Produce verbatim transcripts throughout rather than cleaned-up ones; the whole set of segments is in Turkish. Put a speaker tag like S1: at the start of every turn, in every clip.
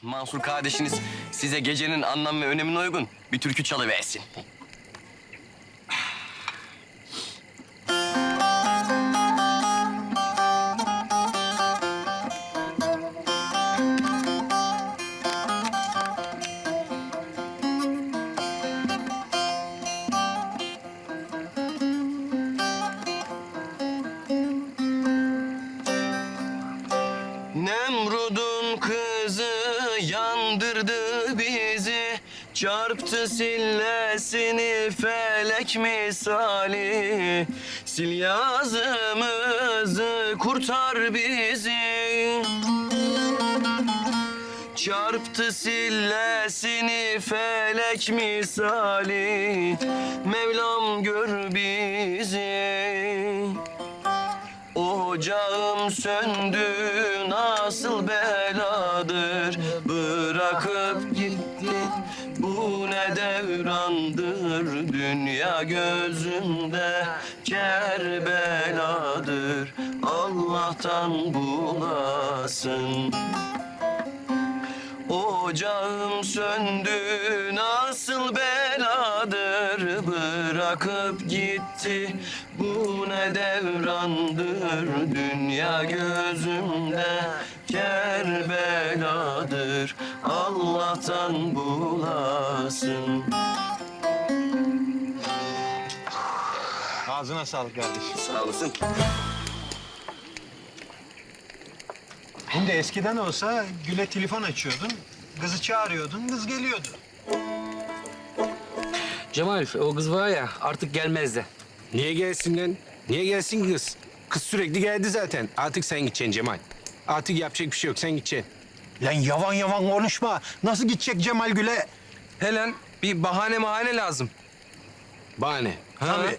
S1: Mansur kardeşiniz size gecenin anlam ve önemine uygun bir türkü çalıversin. Nemrud'un kızı yandırdı bizi, çarptı sillesini felek misali. Sil yazımızı kurtar bizi. Çarptı sillesini felek misali. Mevlam gör bizi. Ocağım söndü nasıl beladır, bırakıp gitti bu ne devrandır. Dünya gözümde Kerbeladır, Allah'tan bulasın. Ocağım söndü nasıl beladır, bırakıp gitti bu ne devrandır. Dünya gözümde Kerbeladır, Allah'tan bulasın.
S2: Ağzına sağlık kardeşim.
S1: Sağ olasın.
S2: Şimdi eskiden olsa Gül'e telefon açıyordun, kızı çağırıyordun, kız geliyordu.
S3: Cemal, o kız var ya artık gelmez de.
S4: Niye gelsin lan? Niye gelsin kız? Kız sürekli geldi zaten. Artık sen gideceksin Cemal. Artık yapacak bir şey yok, sen gideceksin.
S2: Lan yavan yavan konuşma. Nasıl gidecek Cemal Gül'e?
S3: Helen, bir bahane mahane lazım.
S4: Bahane.
S3: Ha?
S4: Tabii.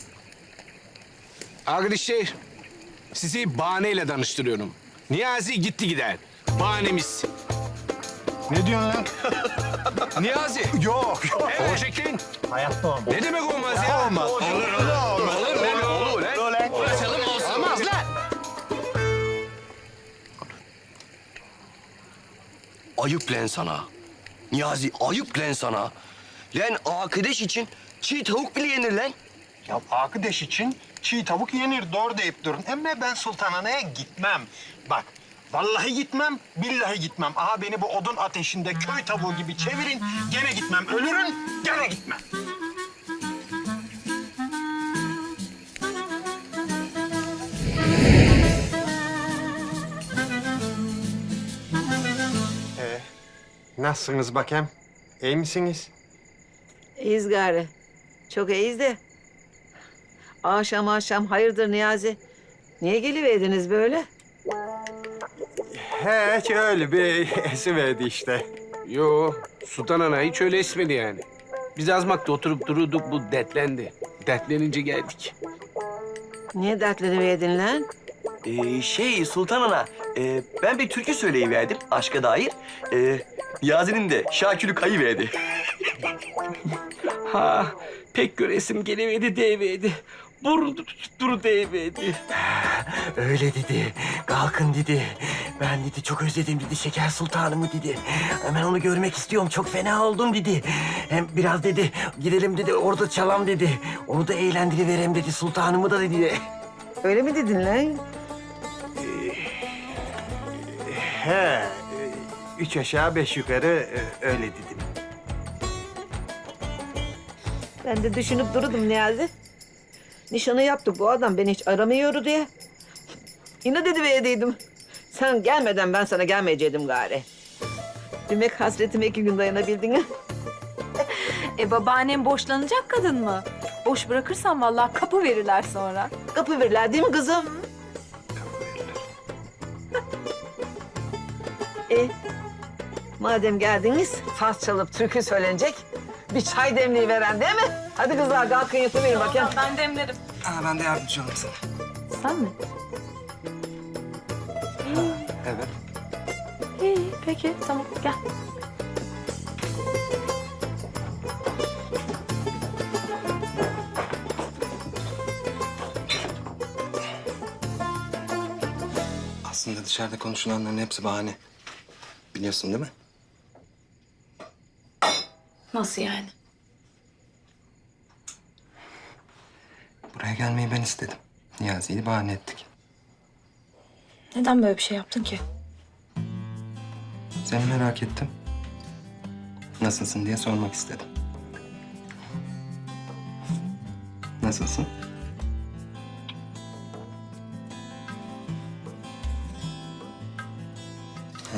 S4: Arkadaşlar, sizi bahaneyle tanıştırıyorum. Niyazi gitti gider. Bahanemiz.
S2: Ne diyorsun lan?
S3: Niyazi.
S2: Yok, yok.
S4: Evet. Olacak lan.
S2: Hayatta olmaz.
S4: Ne demek olmaz ya?
S2: Olmaz. Olur, olur. Olmaz.
S4: Olur, olur, olur lan.
S3: Açalım olsun.
S4: Olmaz lan.
S1: Ayıp lan sana. Niyazi ayıp lan sana. Lan arkadaş için çiğ tavuk bile yenir lan.
S2: Ya arkadaş için çiğ tavuk yenir, doğru deyip durun. Ama ben Sultanhane'ye gitmem. Bak, vallahi gitmem, billahi gitmem. Aha beni bu odun ateşinde köy tavuğu gibi çevirin, gene gitmem. Ölürüm, gene gitmem. Ee, nasılsınız bakayım? İyi misiniz?
S5: İyiyiz gari. Çok iyiyiz de. Akşam akşam hayırdır Niyazi? Niye geliverdiniz böyle?
S2: Hiç öyle bir esiverdi işte.
S4: Yo, Sultan Ana hiç öyle esmedi yani. Biz azmakta oturup dururduk, bu dertlendi. Dertlenince geldik.
S5: Niye dertleniverdin lan?
S1: Ee, şey Sultan Ana, e, ben bir türkü söyleyiverdim aşka dair. Ee, Niyazi'nin de şakülü kayıverdi.
S3: Ha, pek göresim geleverdi deyiverdi. Burun tutuşturu deyiverdi.
S6: Öyle dedi. Kalkın dedi. Ben dedi çok özledim dedi Şeker Sultanımı dedi. Hemen onu görmek istiyorum. Çok fena oldum dedi. Hem biraz dedi gidelim dedi orada çalam dedi. Onu da eğlendiriverem dedi sultanımı da dedi.
S5: Öyle mi dedin lan?
S2: He, üç aşağı beş yukarı e, öyle dedim.
S5: Ben de düşünüp dururdum Niyazi. Nişanı yaptık bu adam beni hiç aramıyordu diye. Yine dedi verdiydim. Sen gelmeden ben sana gelmeyecektim gari. Demek hasretime iki gün dayanabildin ha?
S7: E babaannem boşlanacak kadın mı? Boş bırakırsan vallahi kapı verirler sonra.
S5: Kapı verirler değil mi kızım? E, madem geldiniz, saz çalıp türkü söylenecek. Bir çay demliği veren değil mi? Hadi kızlar kalkın yapıverin bakayım.
S7: Ben demlerim.
S3: Ha, ben de yardımcı olurum sana.
S7: Sen mi?
S3: Evet.
S7: İyi, peki tamam gel.
S8: Aslında dışarıda konuşulanların hepsi bahane. Biliyorsun değil mi?
S7: Nasıl yani?
S8: Buraya gelmeyi ben istedim. Niyazi'yi bahane ettik.
S7: Neden böyle bir şey yaptın ki?
S8: Seni merak ettim. Nasılsın diye sormak istedim. Nasılsın? Ha.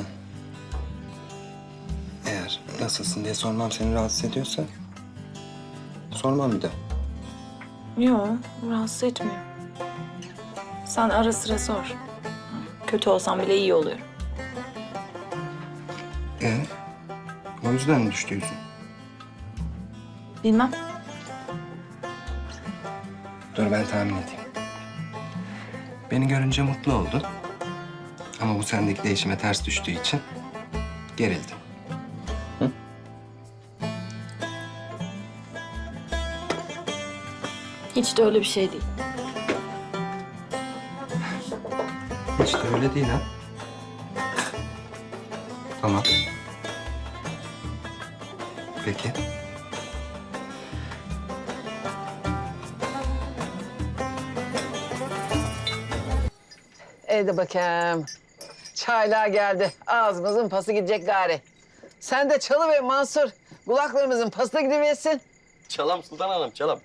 S8: Eğer nasılsın diye sormam seni rahatsız ediyorsa... sormam bir daha.
S7: Yok, rahatsız etmiyor. Sen ara sıra sor. Kötü olsam bile iyi oluyor.
S8: Ee, o yüzden mi düştü yüzün?
S7: Bilmem.
S8: Dur ben tahmin edeyim. Beni görünce mutlu oldu. Ama bu sendeki değişime ters düştüğü için gerildi.
S7: Hiç de öyle bir şey değil.
S8: Hiç de öyle değil ha. Tamam. Peki.
S5: Hadi bakayım. Çaylar geldi. Ağzımızın pası gidecek gari. Sen de çalıver Mansur. Kulaklarımızın pası da gidiversin.
S1: Çalam Sultan Hanım, çalam.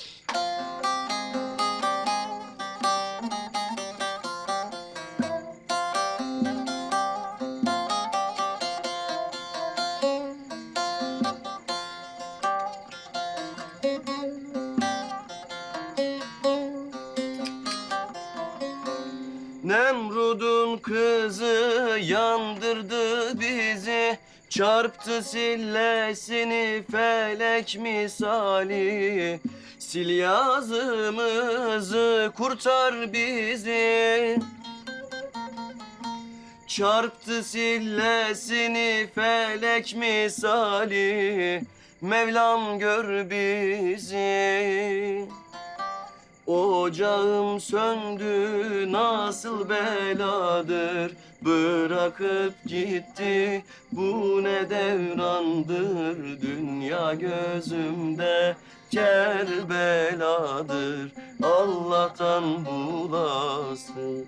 S1: Nemrud'un kızı yandırdı bizi, çarptı sillesini felek misali. Sil yazımızı kurtar bizi. Çarptı sillesini felek misali. Mevlam gör bizi. Ocağım söndü nasıl beladır, bırakıp gitti bu ne devrandır. Dünya gözümde Kerbeladır, Allah'tan bulasın.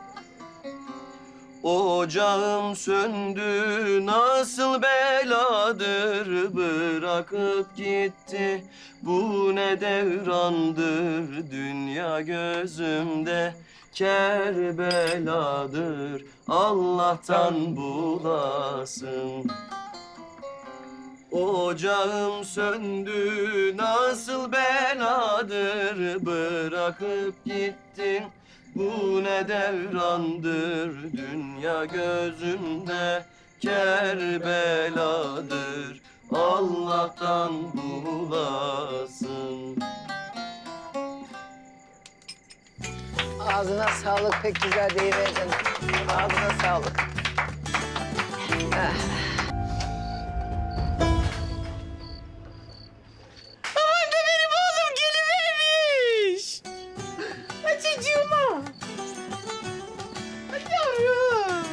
S1: Ocağım söndü nasıl beladır, bırakıp gitti bu ne devrandır. Dünya gözümde Kerbeladır, Allah'tan bulasın. Ocağım söndü nasıl beladır, bırakıp gittin bu ne devrandır. Dünya gözümde Kerbeladır, Allah'tan bulasın.
S5: Ağzına sağlık, pek güzel deyiverdin. Ağzına sağlık. Ah. Aman da benim oğlum gelivermiş. Açıcığıma. Yavrum.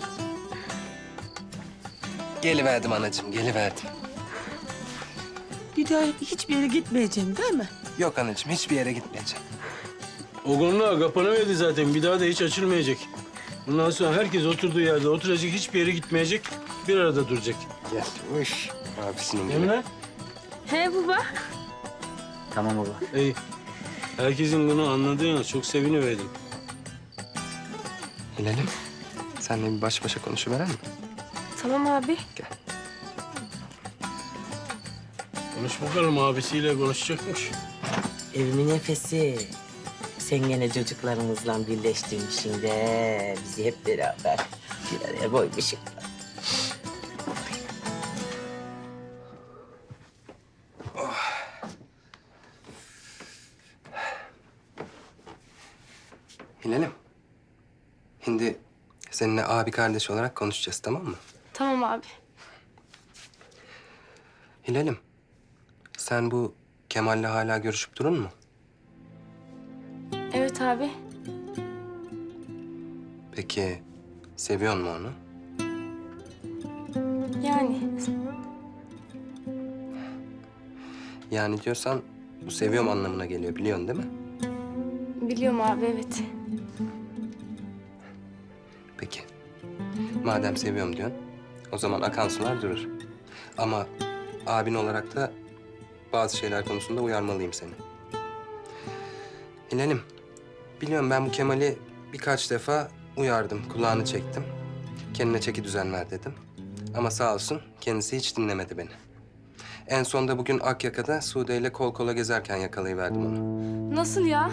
S8: Geliverdim anacığım, geliverdim.
S9: Bir daha hiçbir yere gitmeyeceğim değil mi?
S8: Yok anacığım, hiçbir yere gitmeyeceğim.
S10: O konular kapanıverdi zaten. Bir daha da hiç açılmayacak. Bundan sonra herkes oturduğu yerde oturacak, hiçbir yere gitmeyecek. Bir arada duracak.
S8: Gel, uş. Abisinin gibi.
S10: Emine?
S7: He baba.
S6: Tamam baba.
S10: İyi. Herkesin bunu anladığına çok seviniverdim.
S8: Hilal'im, seninle bir baş başa konuşuveren mi?
S7: Tamam abi.
S10: Konuş bakalım, abisiyle konuşacakmış.
S6: Evimin nefesi. Sen gene çocuklarımızla birleştirmişsin de bizi hep beraber bir araya koymuşsun.
S8: Hilal'im, şimdi seninle abi kardeş olarak konuşacağız, tamam mı?
S7: Tamam abi.
S8: Hilal'im, sen bu Kemal'le hala görüşüp durun mu?
S7: Evet abi.
S8: Peki, seviyor mu onu?
S7: Yani.
S8: Yani diyorsan bu seviyorum anlamına geliyor biliyorsun değil mi?
S7: Biliyorum abi, evet.
S8: Peki. Madem seviyorum diyorsun, o zaman akan sular durur. Ama abin olarak da bazı şeyler konusunda uyarmalıyım seni. Hilal'im, biliyorum ben bu Kemal'i birkaç defa uyardım, kulağını çektim. Kendine çeki düzen ver dedim. Ama sağ olsun kendisi hiç dinlemedi beni. En sonunda bugün Akyaka'da Sude ile kol kola gezerken yakalayıverdim onu.
S7: Nasıl ya?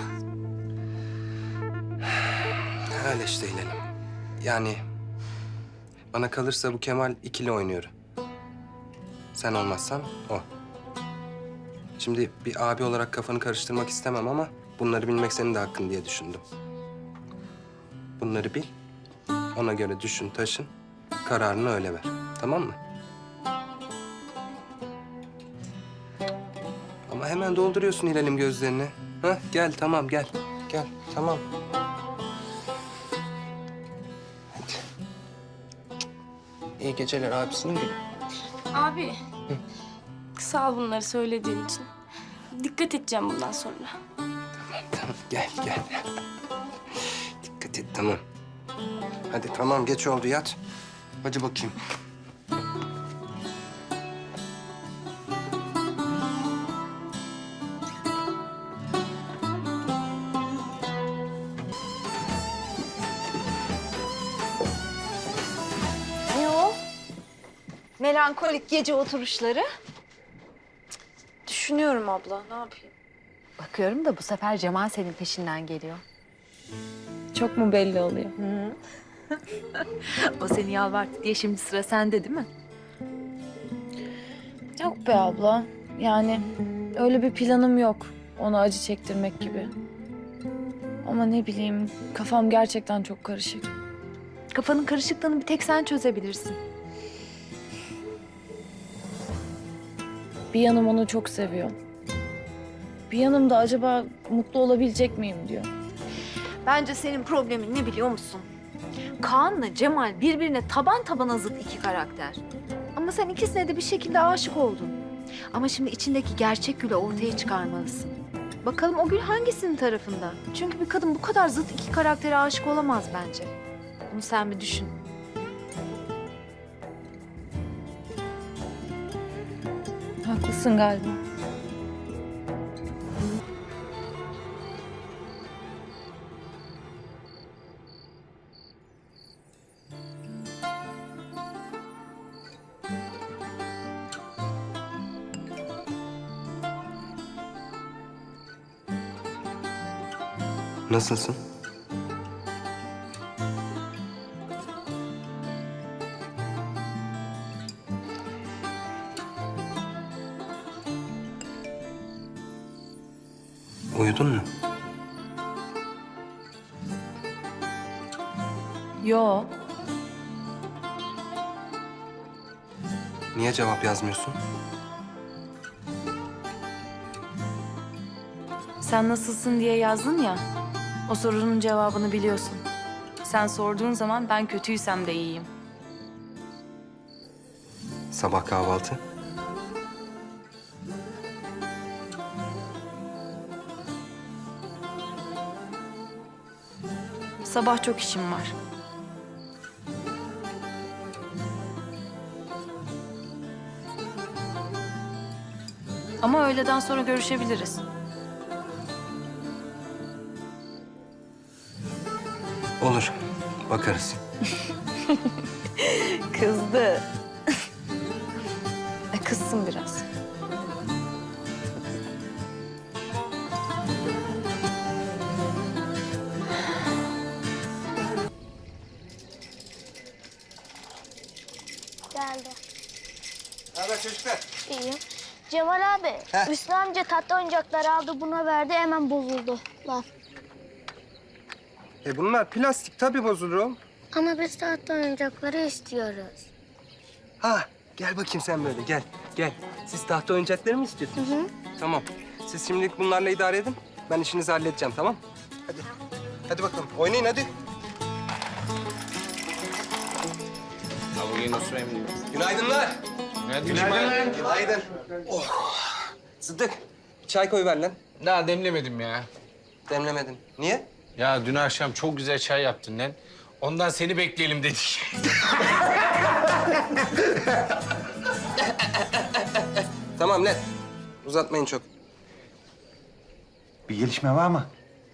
S8: Öyle işte Hilal'im. Yani bana kalırsa bu Kemal ikili oynuyor. Sen olmazsan o. Şimdi bir abi olarak kafanı karıştırmak istemem ama bunları bilmek senin de hakkın diye düşündüm. Bunları bil, ona göre düşün, taşın, kararını öyle ver. Tamam mı? Ama hemen dolduruyorsun Hilal'im gözlerini. Hah, gel tamam gel. Gel tamam. Hadi. İyi geceler abisinin gülü.
S7: Abi, sağ ol bunları söylediğin için. Dikkat edeceğim bundan sonra.
S8: Tamam gel gel. Dikkat et tamam. Hadi tamam geç oldu yat. Hadi bakayım.
S11: Ne o? Melankolik gece oturuşları.
S7: Düşünüyorum abla, ne yapayım?
S11: Bakıyorum da bu sefer Cemal senin peşinden geliyor.
S7: Çok mu belli oluyor?
S11: O seni yalvarttı diye şimdi sıra sende değil mi?
S7: Yok be abla. Yani öyle bir planım yok. Ona acı çektirmek gibi. Ama ne bileyim, kafam gerçekten çok karışık.
S11: Kafanın karışıklığını bir tek sen çözebilirsin.
S7: Bir yanım onu çok seviyor. Bir yanım da acaba mutlu olabilecek miyim diyor.
S11: Bence senin problemin ne biliyor musun? Kaan'la Cemal birbirine taban tabana zıt iki karakter. Ama sen ikisine de bir şekilde aşık oldun. Ama şimdi içindeki gerçek gülü ortaya çıkarmalısın. Bakalım o gül hangisinin tarafında? Çünkü bir kadın bu kadar zıt iki karaktere aşık olamaz bence. Bunu sen bir düşün.
S7: Haklısın galiba.
S8: Nasılsın? Uyudun mu?
S7: Yo.
S8: Niye cevap yazmıyorsun?
S7: Sen nasılsın diye yazdın ya. O sorunun cevabını biliyorsun. Sen sorduğun zaman ben kötüysem de iyiyim.
S8: Sabah kahvaltı.
S7: Sabah çok işim var. Ama öğleden sonra görüşebiliriz.
S8: Olur. Bakarız.
S7: Kızdı. e, kızsın biraz.
S12: Geldi.
S2: Ne haber çocuklar?
S12: İyiyim. Cemal abi,
S2: Heh.
S12: Hüsnü amca tatlı oyuncakları aldı, buna verdi, hemen bozuldu. Lan.
S8: E bunlar plastik tabii bozulur oğlum.
S12: Ama biz tatlı oyuncakları istiyoruz.
S8: Ha gel bakayım sen böyle gel gel. Siz tahta oyuncakları mı istiyorsunuz?
S12: Hı hı.
S8: Tamam. Siz şimdilik bunlarla idare edin. Ben işinizi halledeceğim tamam? Hadi. Hadi bakalım oynayın hadi. Günaydınlar.
S4: Günaydın.
S8: Günaydın. Oh. Sıddık, çay koy ver lan.
S4: Daha demlemedim ya.
S8: Demlemedin. Niye?
S4: Ya dün akşam çok güzel çay yaptın lan. Ondan seni bekleyelim dedik.
S8: Tamam lan. Uzatmayın çok.
S2: Bir gelişme var mı?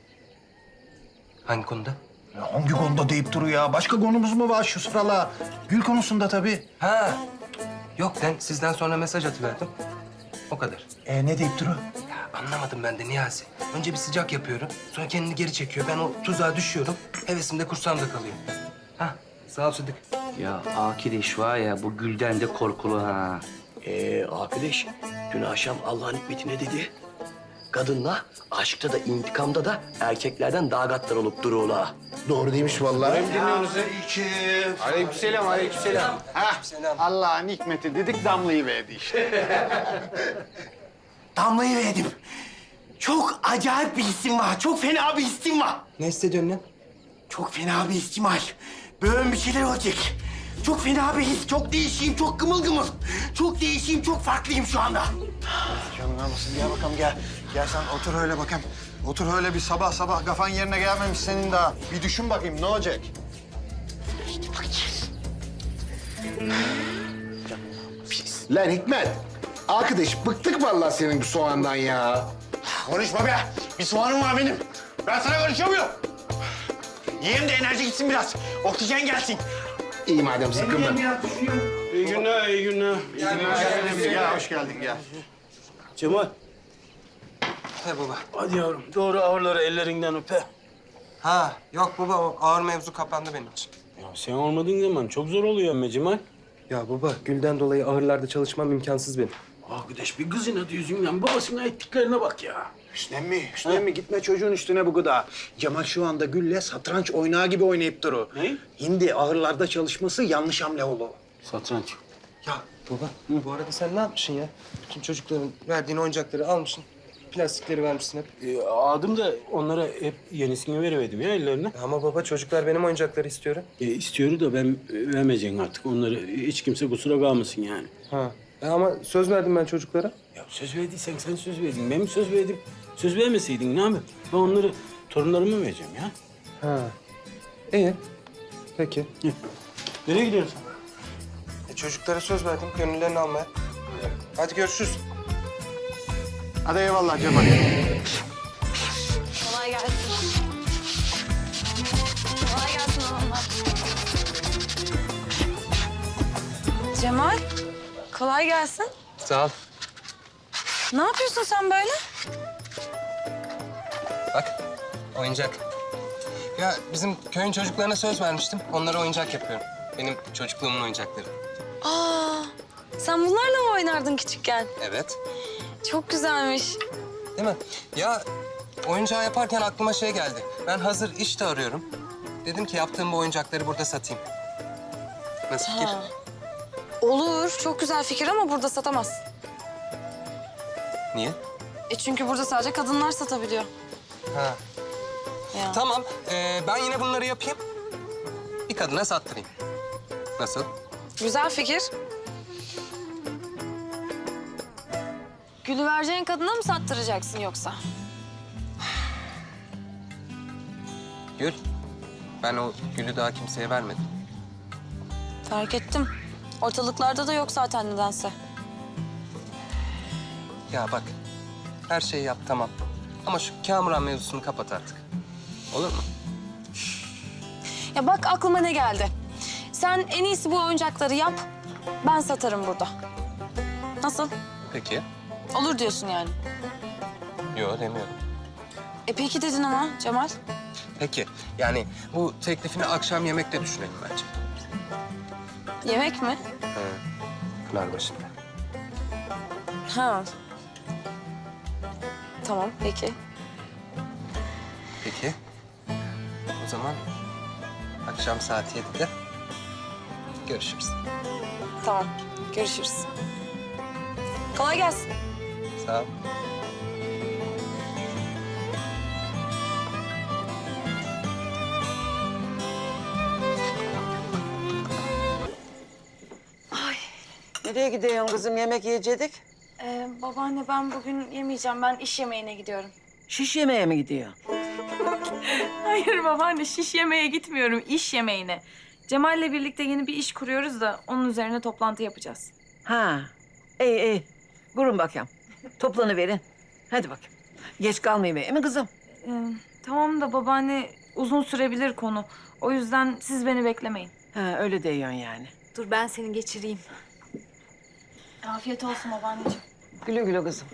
S8: Hangi konuda?
S2: Ya hangi konuda deyip duruyor ya? Başka konumuz mu var şu sıralar? Gül konusunda tabii.
S8: Ha. Yok ben sizden sonra mesaj atıverdim. O kadar.
S2: E ne deyip duruyor?
S8: Ya anlamadım ben de Niyazi. Önce bir sıcak yapıyorum. Sonra kendini geri çekiyor. Ben o tuzağa düşüyorum. Hevesim de kursağımda kalıyor. Ha. Sağ ol Sıddık.
S3: Ya arkadaş var ya bu Gülden de korkulu ha.
S1: Ee, arkadaş, dün akşam Allah'ın hikmeti ne dedi? Kadınla aşkta da intikamda da erkeklerden daha gaddar olup duruyorlar.
S2: Doğru demiş vallahi.
S4: Aleykümselam, aleykümselam.
S2: Hah, Allah'ın hikmeti dedik damlayı verdi işte.
S6: Damlayı verdim. Çok acayip bir hissim var. Çok fena bir hissim var.
S8: Ne hissediyorsun lan?
S6: Çok fena bir hissim var. Böyle bir şeyler olacak. Çok fena bir his. Çok değişiyim, çok gımıl gımıl. Çok değişiyim, çok farklıyım şu anda.
S2: Canım almasın. Gel bakalım gel. Gel sen otur öyle bakayım. Otur öyle bir sabah sabah kafan yerine gelmemiş senin daha. Bir düşün bakayım ne olacak?
S13: Lan Hikmet, arkadaş bıktık vallahi senin bu soğandan ya.
S2: Konuşma be. Bir soğanım var benim. Ben sana konuşuyor muyum? Yiyeyim de enerji gitsin biraz. Oksijen gelsin.
S13: İyi madem sıkılma.
S10: İyi günler, iyi günler.
S2: Gel, hoş geldin gel.
S10: Cemal,
S8: He baba.
S10: hadi yavrum. Doğru ağırları ellerinden öpe.
S8: Ha. Yok baba o ağır mevzu kapandı benim için.
S10: Ya sen olmadığın zaman çok zor oluyor ama Cemal.
S8: Ya baba Gül'den dolayı ahırlarda çalışmam imkansız benim.
S10: Arkadaş bir kızın adı yüzünden babasına ettiklerine bak ya.
S2: Hüsnem mi? Hüsnem mi? Gitme çocuğun üstüne bu gıda. Cemal şu anda Gül'le satranç oynağı gibi oynayıp duru.
S10: Ne?
S2: Hindi ahırlarda çalışması yanlış hamle oldu.
S10: Satranç.
S8: Ya baba bu arada sen ne yapmışsın ya? Bütün çocukların verdiğin oyuncakları almışsın. Plastikleri vermişsin hep.
S10: Ee, adım da onlara hep yenisini veriverdim ya ellerine.
S8: Ama baba çocuklar benim oyuncakları istiyor.
S10: E, istiyordu da ben e, vermeyeceğim artık. Onları hiç kimse kusura kalmasın yani.
S8: Ha. E, ama söz verdim ben çocuklara.
S10: Ya söz verdiysen sen söz verdin. Ben mi söz verdim? Söz vermeseydin ne yapayım? Ben onları torunlarıma vereceğim ya.
S8: Ha. İyi. Peki.
S10: Nereye gidiyorsun sen?
S8: E, çocuklara söz verdim gönüllerini almaya. Hadi görüşürüz.
S2: Hadi eyvallah Cemal.
S7: Kolay gelsin. Kolay gelsin hanımlar. Cemal, kolay gelsin.
S8: Sağ ol.
S7: Ne yapıyorsun sen böyle?
S8: Bak oyuncak. Ya bizim köyün çocuklarına söz vermiştim. Onlara oyuncak yapıyorum. Benim çocukluğumun oyuncakları.
S7: Aa, sen bunlarla mı oynardın küçükken?
S8: Evet.
S7: Çok güzelmiş.
S8: Değil mi? Ya oyuncağı yaparken aklıma şey geldi. Ben hazır iş de arıyorum. Dedim ki yaptığım bu oyuncakları burada satayım. Nasıl fikir?
S7: Ha. Olur, çok güzel fikir ama burada satamaz.
S8: Niye?
S7: E çünkü burada sadece kadınlar satabiliyor.
S8: Ha.
S7: Ya.
S8: Tamam. ee, ben yine bunları yapayım. Bir kadına sattırayım. Nasıl?
S7: Güzel fikir. Gülü vereceğin kadına mı sattıracaksın yoksa?
S8: Gül. Ben o gülü daha kimseye vermedim.
S7: Fark ettim. Ortalıklarda da yok zaten nedense.
S8: Ya bak. Her şeyi yap tamam. Ama şu Kamuran mevzusunu kapat artık. Olur mu?
S7: Ya bak aklıma ne geldi. Sen en iyisi bu oyuncakları yap. Ben satarım burada. Nasıl?
S8: Peki.
S7: Olur diyorsun yani.
S8: Yok demiyorum.
S7: E peki dedin ama Cemal.
S8: Peki. Yani bu teklifini akşam yemekte düşünelim bence.
S7: Yemek mi?
S8: He. Pınarbaşı'nda.
S7: Ha. Tamam peki.
S8: Peki. O zaman akşam saat yedide görüşürüz.
S7: Tamam. Görüşürüz. Kolay gelsin.
S8: Sağ ol.
S5: Nereye gidiyorsun kızım? Yemek yiyecektik.
S7: Ee, babaanne ben bugün yemeyeceğim. Ben iş yemeğine gidiyorum.
S5: Şiş yemeğe mi gidiyor?
S7: Hayır babaanne şiş yemeğe gitmiyorum. İş yemeğine. Cemal'le birlikte yeni bir iş kuruyoruz da onun üzerine toplantı yapacağız.
S5: Ha. İyi iyi. Durun bakayım. Toplanıverin. Hadi bakayım. Geç kalmayayım değil mi kızım?
S7: Ee, tamam da babaanne uzun sürebilir konu. O yüzden siz beni beklemeyin.
S5: Ha öyle diyorsun yani.
S11: Dur ben seni geçireyim.
S7: Afiyet olsun babaanneciğim.
S5: Güle güle kızım.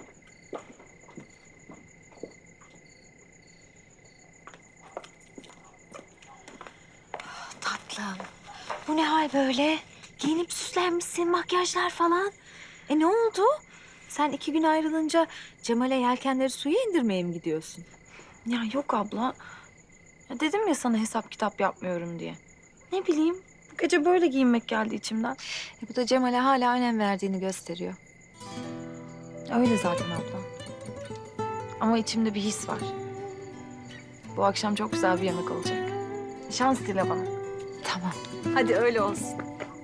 S11: Tatlım. Bu ne hal böyle? Giyinip süslenmişsin, makyajlar falan. E ne oldu? Sen iki gün ayrılınca Cemal'e yelkenleri suya indirmeye mi gidiyorsun?
S7: Ya yok abla. Ya dedim ya sana hesap kitap yapmıyorum diye. Ne bileyim bu gece böyle giyinmek geldi içimden.
S11: E bu da Cemal'e hala önem verdiğini gösteriyor.
S7: Öyle zaten abla. Ama içimde bir his var. Bu akşam çok güzel bir yemek olacak. Şans dile bana.
S11: Tamam. Hadi öyle olsun.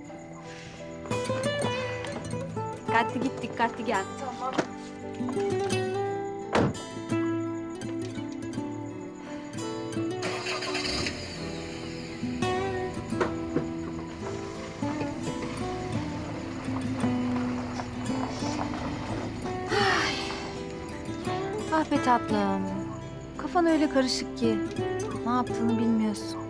S11: Dikkatli git, dikkatli gel.
S7: Tamam.
S11: Ah be tatlım. Kafan öyle karışık ki. Ne yaptığını bilmiyorsun.